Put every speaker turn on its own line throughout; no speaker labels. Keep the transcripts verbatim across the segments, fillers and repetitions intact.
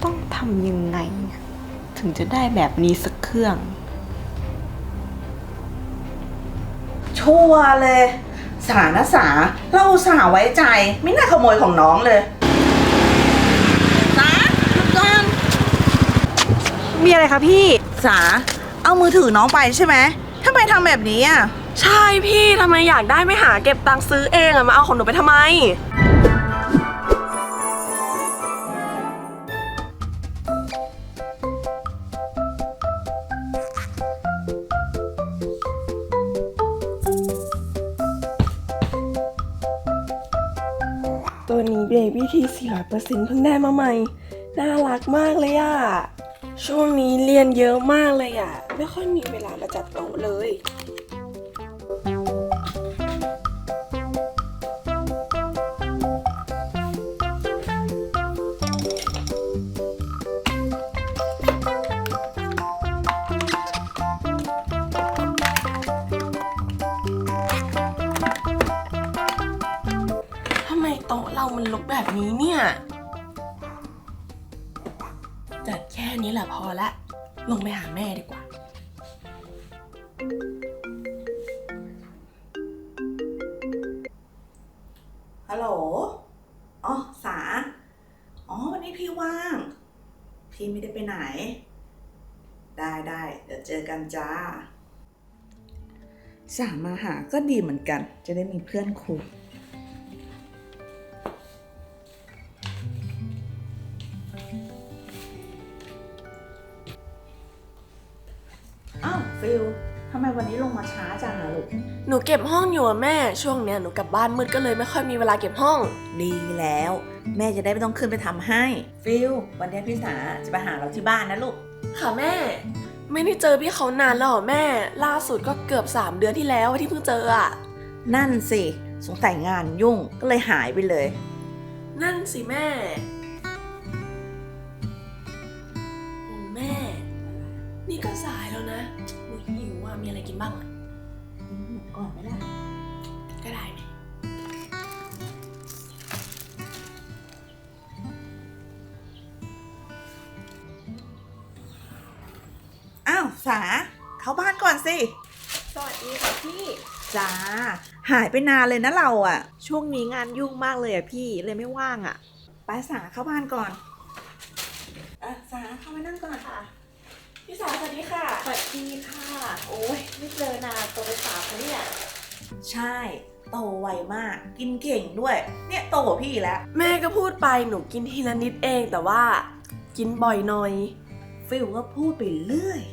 ต้องทำยังไงถึงจะได้แบบนี้สักเครื่อง
ชัวร์เลยสานะสาเราสาไว้ใจไม่น่าขโมยของน้องเลยสาหยุดก่อน
มีอะไรคะพี่
สาเอามือถือน้องไปใช่ไหมทำไมทำแบบนี้อ่ะ
ใช่พี่ทำไมอยากได้ไม่หาเก็บตังค์ซื้อเองอะมาเอาของหนูไปทำไมตัวนี้เบบี้ทีสี่ร้อยเปอร์เซ็นต์เพิ่งได้มาใหม่น่ารักมากเลยอะช่วงนี้เรียนเยอะมากเลยอะไม่ค่อยมีเวลามาจัดโต๊ะเลยทำไมโต๊ะเรามันรกแบบนี้เนี่ยจัดแค่นี้แหละพอละลงไปหาแม่ดีกว่า
ฮัลโหลอ๋อสาอ๋อวันนี้พี่ว่างพี่ไม่ได้ไปไหนได้ได้เดี๋ยวเจอกันจ้าสามาหาก็ดีเหมือนกันจะได้มีเพื่อนคุยอ้าวฟิลทำไมวันนี้ลงมาช้าจังอะลูก
หนูเก็บห้องอยู่อะแม่ช่วงเนี้ยหนูกลับบ้านมืดก็เลยไม่ค่อยมีเวลาเก็บห้อง
ดีแล้วแม่จะได้ไม่ต้องขึ้นไปทำให้ฟิลวันนี้พี่สาจะไปหาเราที่บ้านนะลูก
ค่ะแม่ไม่ได้เจอพี่เขานานแล้วเหรอแม่ล่าสุดก็เกือบสามเดือนที่แล้วที่เพิ่งเจออะ
นั่นสิสงสัยงานยุ่งก็เลยหายไปเลย
นั่นสิแม่โอ้แม่นี่ก็สายแล้วนะหนูหิวอะมีอะไรกินบ้างอะ
ก่อนไหมล่ะ
ก็ได้ไหม
อ้าวสาเข้าบ้านก่อนสิ
สวัสดีค่ะพี่
จ้าหายไปนานเลยนะเราอะ
ช่วงนี้งานยุ่งมากเลยอะพี่เลยไม่ว่างอะ
ไปสาเข้าบ้านก่อนอ่ะสาเข้ามานั่งก่อน
ค่ะพี่สาวสวัสดีค่ะ
สวัสดีค่ะโอ้ยไม่เจอนานตัวไปสาวเขาเนี่ย
ใช่โตไวมากกินเก่งด้วยเนี่ยโตกว่าพี่แล้ว
แม่ก็พูดไปหนูกินทีละนิดเองแต่ว่ากินบ่อยหน่อย
ฟิลก็พูดไปเรื่อย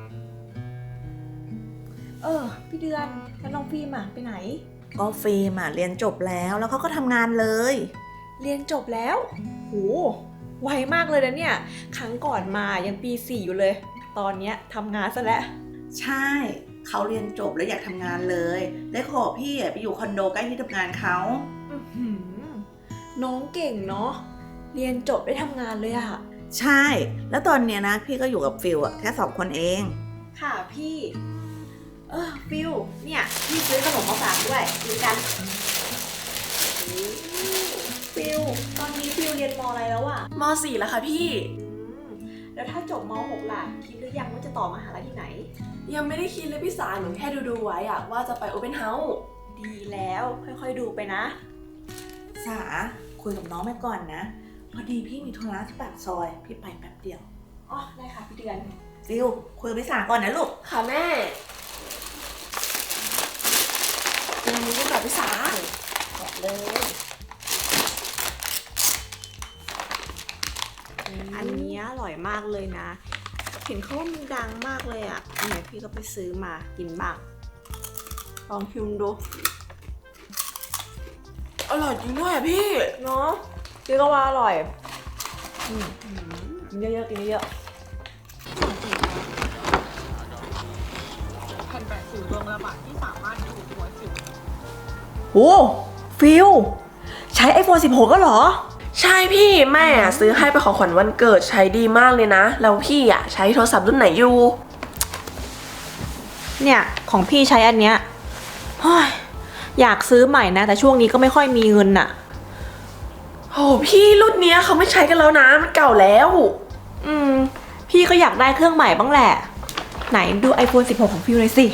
เออพี่เดือนแล้วน้องฟิล์มอะไปไหน
ก็ฟิล์มอะเรียนจบแล้วแล้วเขาก็ทำงานเลย
เรียนจบแล้วโหไวมากเลยนะเนี่ยครั้งก่อนมายังปีสี่อยู่เลยตอนเนี้ยทำงานซะแล้ว
ใช่เขาเรียนจบแล้วอยากทำงานเลยได้ขอพี่ไปอยู่คอนโดใกล้ที่ทำงานเขา
น้องเก่งเนาะเรียนจบได้ทำงานเลยอะ
ใช่แล้วตอนเนี้ยนะพี่ก็อยู่กับฟิลอะแค่สองคนเอง
ค่ะพี่เออฟิลเนี่ยพี่ซื้อขนมมาฝากด้วยกินกันฟิลตอนนี้ฟิลเรียนม.อะไรแล้วอะ
ม.สี่แล้วค่ะพี่
แล้วถ้าจบม.หกล่ะคิดหรือยังว่าจะต่อมหาลัยที่ไหน
ยังไม่ได้คิดเลยพี่สาหนูแค่ดูดูไว้อะว่าจะไปโอเพ่นเฮาส์
ดีแล้วค่อยๆดูไปนะ
สาคุยกับน้องไปก่อนนะพอดีพี่มีธุระที่ปากซอยพี่ไปแป๊บเดียว
อ๋อได้ค่ะพี่เดือน
ฟิลคุยกับพี่สาก่อนนะลูก
ค่ะแม่เรื่องนี้ก็กับพี่สา
บอกเลยอันนี้อร่อยมากเลยนะเห็นเขาว่ามันดังมากเลยอ่ะอันไหนพี่ก็ไปซื้อมากินบ้างลองชิมดู
อร่อยจริงด้วยอ่ะพี่
เนาะพี่ก็ว่าอร่อยกินเยอะๆกินเยอะ
แผ่นแปะสิวดวงระบาดที่สามารถดูหัวสิว
โอ้ฟิลใช้ ไอโฟน สิบหกก็เหรอ
ใช่พี่แม่ซื้อให้เป็นของขวัญวันเกิดใช้ดีมากเลยนะแล้วพี่อ่ะใช้โทรศัพท์รุ่นไหนอยู่
เนี่ยของพี่ใช้อันเนี้ยอยากซื้อใหม่นะแต่ช่วงนี้ก็ไม่ค่อยมีเงินอะ
โหโหพี่รุ่นเนี้ยเขาไม่ใช้กันแล้วนะมันเก่าแล้ว
อืม พี่ก็อยากได้เครื่องใหม่บ้างแหละ ไหนดู ไอโฟนสิบหก ของฟิวเลยสิ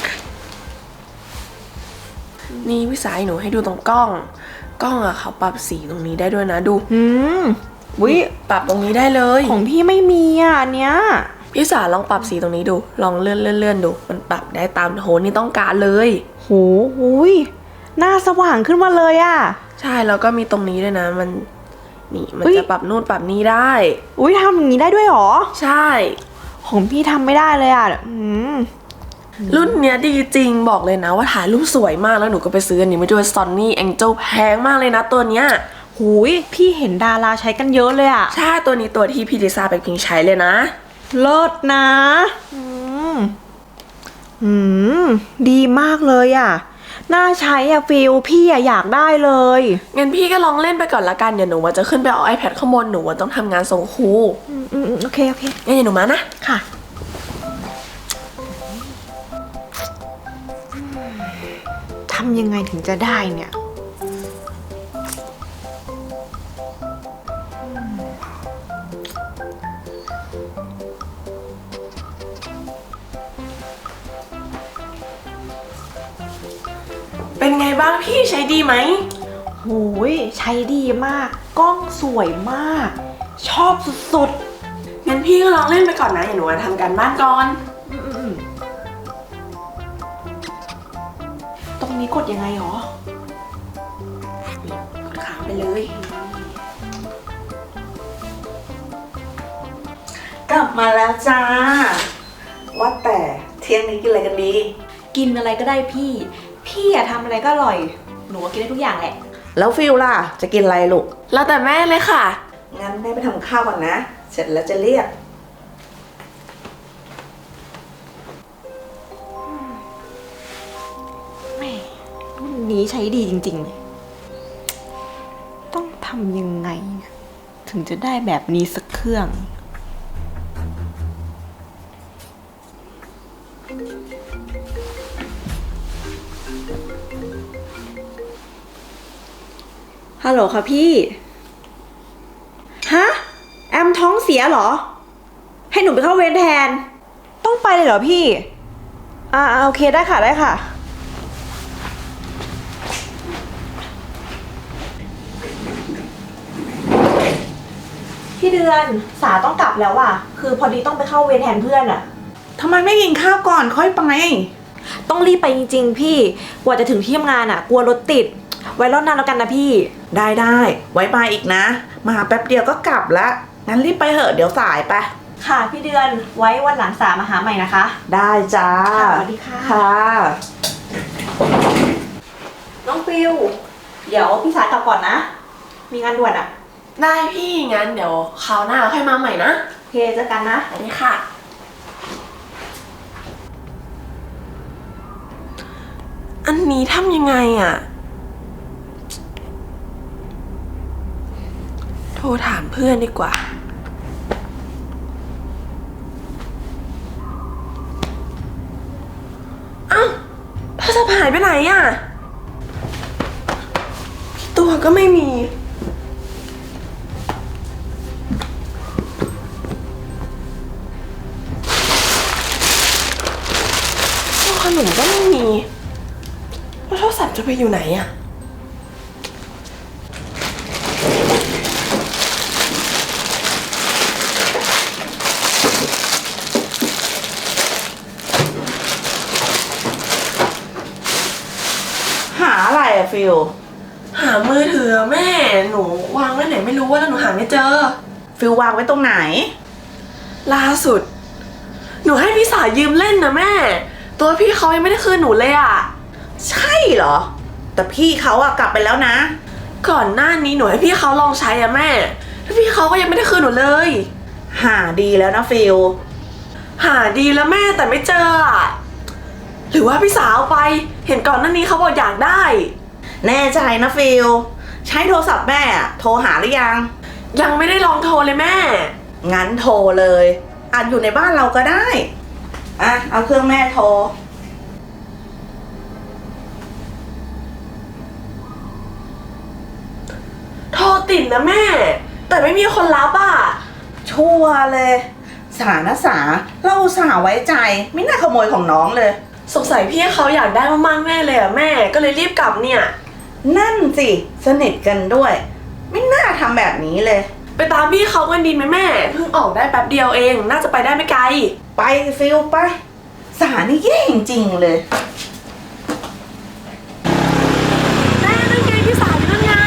นี่พี่สายหนูให้ดูตรงกล้อง กล้องอะเขาปรับสีตรงนี้ได้ด้วยนะดู
อืมวิ
ปรับตรงนี้ได้เลย
ของพี่ไม่มีอ่ะอันเนี้ย
พี่สาลองปรับสีตรงนี้ดู ลองเลื่อนเลื่อนเลื่อนดู มันปรับได้ตามโทนที่ต้องการเลย
โหหุยหน้าสว่างขึ้นมาเลยอ่ะ
ใช่แล้วก็มีตรงนี้ด้วยนะ มันนี่มัน
เฮ้ย
จะปรับนู่นปรับนี่ได้
อุ้ยทำอย่างนี้ได้ด้วยเหรอ
ใช่
ของพี่ทำไม่ได้เลยอ่ะ อืม
รุ่นเนี้ยดีจริงบอกเลยนะว่าถ่ายรูปสวยมากแล้วหนูก็ไปซื้ออันนี้มาด้วย Sony Angel แพงมากเลยนะตัวเนี้ย
หุยพี่เห็นดาราใช้กันเยอะเลยอ่ะ
ใช่ตัวนี้ตัวที่พี่ลิซ่าไปพิงใช้เลยนะ
เลิศนะ อืม อืม ดีมากเลยอ่ะ น่าใช้อ่ะฟิลพี่อ่ะอยากได้เลย
งั้นพี่ก็ลองเล่นไปก่อนละกันเดี๋ยวหนูว่าจะขึ้นไปเอา iPad ข้างบนหนูว่าต้องทำงานส่งครู
อืมอืมอืมโอเค โอเค
งั้นเดี๋ยวหนูมานะ
ค่ะ ทำยังไงถึงจะได้เนี่ย
เป็นไงบ้างพี่ใช้ดีไหม
โหยใช้ดีมาก กล้องสวยมาก ชอบสุด
งั้นพี่ก็ลองเล่นไปก่อนนะเดี๋ยวหนูมาทำการบ้านก่อน
ๆอืมอืมอืมตรงนี้กดยังไงหรอ
กดค้างไปเลย
กลับมาแล้วจ้า ว่าแต่เที่ยงนี้กินอะไรกันดี
กินอะไรก็ได้พี่ พี่อะทำอะไรก็อร่อย หนูก็กินได้ทุกอย่างแหละ
แล้วฟิลล่ะ จะกินอะไรลูก
แล้วแต่แม่เลยค่ะ
งั้นแม่ไปทำข้าวก่อนนะ เสร็จแล้วจะเรียก
แม่รุ่นนี้ใช้ดีจริงๆเลยต้องทำยังไง ถึงจะได้แบบนี้สักเครื่อง ฮัลโหลค่ะพี่ ฮะ แอมท้องเสียเหรอ ให้หนูไปเข้าเวรแทน ต้องไปเลยเหรอพี่ อ่าโอเคได้ค่ะได้ค่ะ พี่เดือนสาต้องกลับแล้วอ่ะ คือพอดีต้องไปเข้าเวรแทนเพื่อนอ่ะ
ทำไมไม่กินข้าวก่อนค่อยไป
ต้องรีบไปจริงๆพี่ กว่าจะถึงที่ทำงานอ่ะ กลัวรถติด ไว้รอบหน้าแล้วกันนะพี่
ได้ได้ไว้มาอีกนะ มาแป๊บเดียวก็กลับละงั้นรีบไปเถอะเดี๋ยวสายไป
ค่ะพี่เดือนไว้วันหลังสามาหาใหม่นะคะ
ได้จ้า
ค่ะสวัสดีค่ะ
ค่ะ
น้องฟิว เดี๋ยวพี่สายกลับก่อนนะ มีงานด่วนอ่ะ
ได้พี่งั้นเดี๋ยวคราวหน้าค่อยมาใหม่นะ
โอเคเจอกันนะ
สวัสดีค่ะ อันนี้ทำยังไงอะโทรถามเพื่อนดีกว่า เอ้าโทรศัพท์หายไปไหนอะตัวก็ไม่มีตัวขนมก็ไม่มีแล้วโทรศัพท์จะไปอยู่ไหนอะ
หาอะไรอะฟิล
หามือถือแม่หนูวางไว้ไหนไม่รู้ว่าแล้วหนูหาไม่เจอ
ฟิลวางไว้ตรงไหน
ล่าสุด หนูให้พี่สาวยืมเล่นนะแม่ ตัวพี่เขายังไม่ได้คืนหนูเลยอะ
ใช่เหรอ แต่พี่เขาอะกลับไปแล้วนะ
ก่อนหน้านี้หนูให้พี่เขาลองใช้อะแม่แล้วพี่เขาก็ยังไม่ได้คืนหนูเลย
หาดีแล้วนะฟิล
หาดีแล้วแม่แต่ไม่เจออะหรือว่าพี่สาวเอาไป เห็นก่อนหน้านี้เขาบอกอยากได้
แน่ใจนะฟิล ใช้โทรศัพท์แม่อะโทรหาหรือยัง
ยังไม่ได้ลองโทรเลยแม่
งั้นโทรเลยอาจอยู่ในบ้านเราก็ได้ อ่ะ เอาเครื่องแม่โทร
โทรรติดนะแม่ แต่ไม่มีคนรับอ่ะ
ชั่วเลย สานะสาเราอุตสาห์ไว้ใจไม่น่าขโมยของน้องเลย
สงสัยพี่เขาอยากได้มากๆแน่เลยอ่ะแม่ก็เลยรีบกลับเนี่ย
นั่นสิสนิทกันด้วย ไม่น่าทำแบบนี้เลย
ไปตามพี่เขากันดีไหมแม่เพิ่งออกได้แป๊บเดียวเองน่าจะไปได้ไม่ไกล
ไปฟิลไป สานี่แย่จริงๆเลย
แม่นั่นไงพี่สาวนั่นไง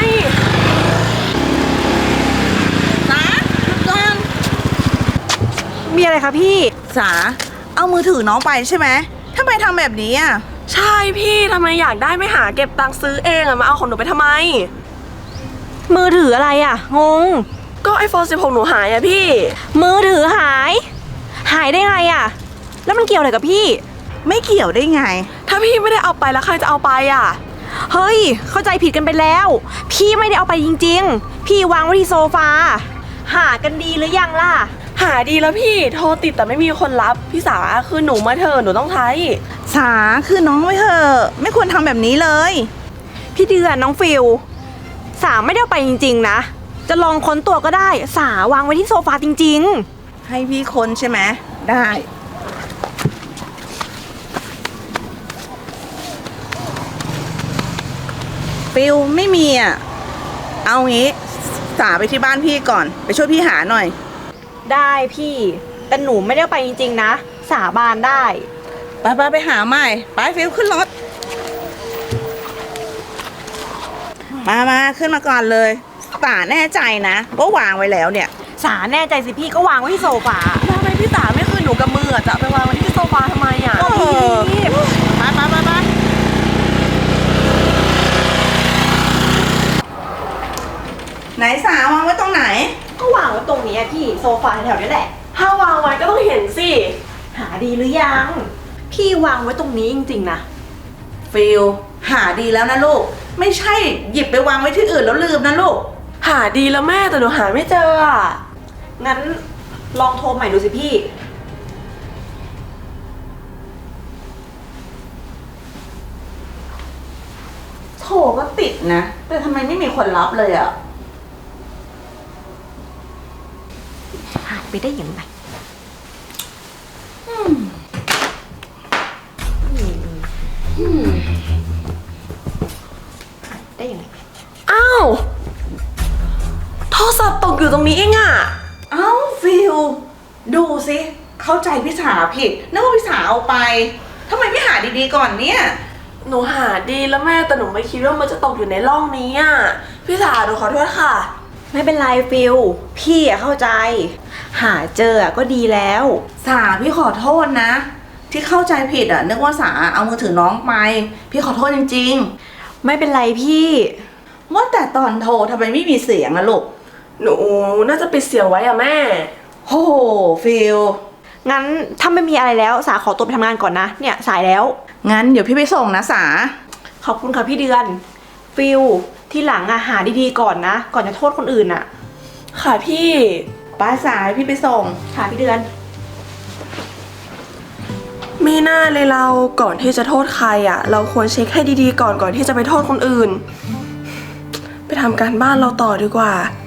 สาหยุดก่อน
มีอะไรคะพี่
สาเอามือถือน้องไปใช่ไหมทำไมทำแบบนี้อ่ะ
ใช่พี่ทำไมอยากได้ไม่หาเก็บตังค์ซื้อเองอะมาเอาของหนูไปทำไม
มือถืออะไรอะงง
ก็ไอโฟนสิบหกหนูหายอะพี่
มือถือหาย หายได้ไงอะแล้วมันเกี่ยวอะไรกับพี่
ไม่เกี่ยวได้ไง
ถ้าพี่ไม่ได้เอาไปแล้วใครจะเอาไปอะ
เฮ้ย เข้าใจผิดกันไปแล้ว พี่ไม่ได้เอาไปจริงๆ พี่วางไว้ที่โซฟา หากันดีหรือยังล่ะ
หาดีแล้วพี่โทรติดแต่ไม่มีคนรับพี่สาคือหนูมาเถอะหนูต้องใช้
สาคือน้องไว้เถอะไม่ควรทำแบบนี้เลย
พี่เดือนน้องฟิลสาไม่ได้เอาไปจริงๆนะ จะลองค้นตัวก็ได้ สาวางไว้ที่โซฟาจริง
ให้พี่คนใช่ไหมได้ ฟิลไม่มีอ่ะ เอางี้สาไปที่บ้านพี่ก่อน ไปช่วยพี่หาหน่อย
ๆ ได้พี่ แต่หนูไม่ได้เอาไปจริงๆนะ สาบานได้
ไปไปไปหาใหม่ ไปฟิลขึ้นรถ มามาขึ้นมาก่อนเลยสาแน่ใจนะว่าวางไว้แล้วเนี่ย
สาแน่ใจสิพี่ก็วางไว้ที่โซฟา
ทำไมพี่สาไม่คืนหนูกับมืออะจะเอาไปวางไว้ที่โซฟาทำไมอะ
เออไปไปไปไปไหนสาวางไว้ตรงไหน
ก็วางไว้ตรงนี้อะพี่โซฟาแถวๆนี้แหละ
ถ้าวางไว้ก็ต้องเห็นสิ
หาดีหรือยัง พี่วางไว้ตรงนี้จริงๆนะ
ฟิลหาดีแล้วนะลูก ไม่ใช่หยิบไปวางไว้ที่อื่นแล้วลืมนะลูก
หาดีแล้วแม่แต่หนูหาไม่เจออะ
งั้นลองโทรใหม่ดูสิพี่
โทรก็ติดนะ แต่ทำไมไม่มีคนรับเลยอ่ะ
หายไปได้ยังไงหายได้ยังไง
อ้าวโทรศัพท์ตกอยู่ตรงนี้เองอะ
เอ้าฟิลดูสิเข้าใจพี่สาผิดนึกว่าพี่สาเอาไปทำไมไม่หาดีๆก่อนเนี่ย
หนูหาดีแล้วแม่แต่หนูไม่คิดว่ามันจะตกอยู่ในร่องนี้อะพี่สาหนูขอโทษค่ะ
ไม่เป็นไรฟิลพี่อะเข้าใจ หาเจออะก็ดีแล้ว
สาพี่ขอโทษนะ ที่เข้าใจผิดอ่ะนึกว่าสาเอามือถือน้องไป พี่ขอโทษจริง
ไม่เป็นไรพี่
ๆว่าแต่ตอนโทรทำไมไม่มีเสียงอะลูก
หนูน่าจะปิดเสียงไว้อะแม่
โหฟิล
งั้นถ้าไม่มีอะไรแล้วสาขอตัวไปทำงานก่อนนะ เนี่ยสายแล้ว
งั้นเดี๋ยวพี่ไปส่งนะสา
ขอบคุณค่ะพี่เดือน ฟิลที่หลังอะหาดีๆก่อนนะ ก่อนจะโทษคนอื่นอะ
ค่ะพี่
ป้าสายพี่ไปส่ง
ค่ะพี่เดือน
มีหน้าเลยเราก่อนที่จะโทษใครอะเราควรเช็คให้ดีๆก่อนก่อนที่จะไปโทษคนอื่น ไปทำการบ้านเราต่อดีกว่า